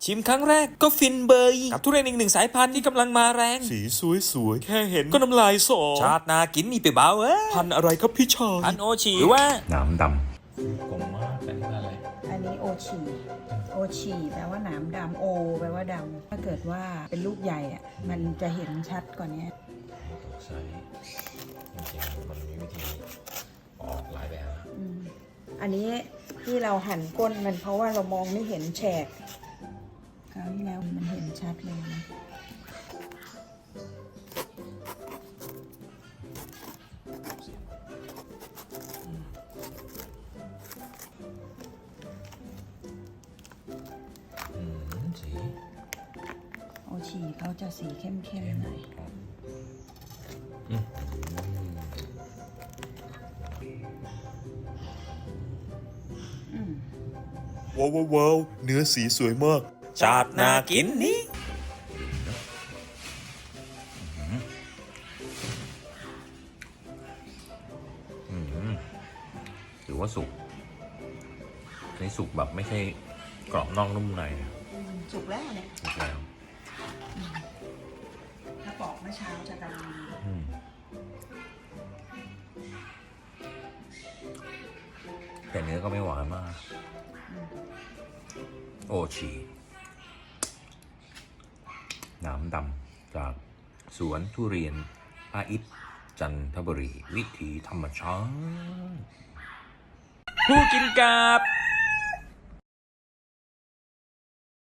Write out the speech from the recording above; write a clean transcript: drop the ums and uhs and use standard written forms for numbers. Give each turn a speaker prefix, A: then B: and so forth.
A: ชิมครั้งแรกก็ฟินเบยกับทุเรียนอีกหนึ่งสายพันธุ์ที่กำลังมาแรงสีสวยๆแค่เห็นก็น้ำลายสอชาตินากินนี่ไปเบาพันธุ์อะไรครับพี่ชายพันธุ์โอชีหรือว่า
B: หนามด
C: กลมมากอันนี้อะไร
D: อันนี้โอชีแปลว่าหนามดำโอแปลว่าดำถ้าเกิดว่าเป็นลูกใหญ่อ่ะมันจะเห็นชัดกว่านี้
C: ต้องใช้จริงๆมันมีวิธีออกหลายแบบนะ
D: อันนี้ที่เราหั่นก้นมันเพราะว่าเรามองไม่เห็นแฉกคราวที่แล้วมันเห็นชัดเลยนะ
C: สี
D: โอชีเขาจะสีเข้มๆหน่อย
A: ว้าวเนื้อสีสวยมากชาตินากินนี่
C: หรือว่าสุกในสุกแบบไม่ใช่กรอบนอกนุ่มใน
D: สุกแล้วเนี่ย
C: สุกแล้ว
D: ถ้าปอกเมื่อเช้าจะดำ
C: แต่เนื้อก็ไม่หวานมากโอชีหนามดำจากสวนทุเรียนอาอิฐจันทบุรีวิถีธรรมชาติ
A: ผู้กินกับ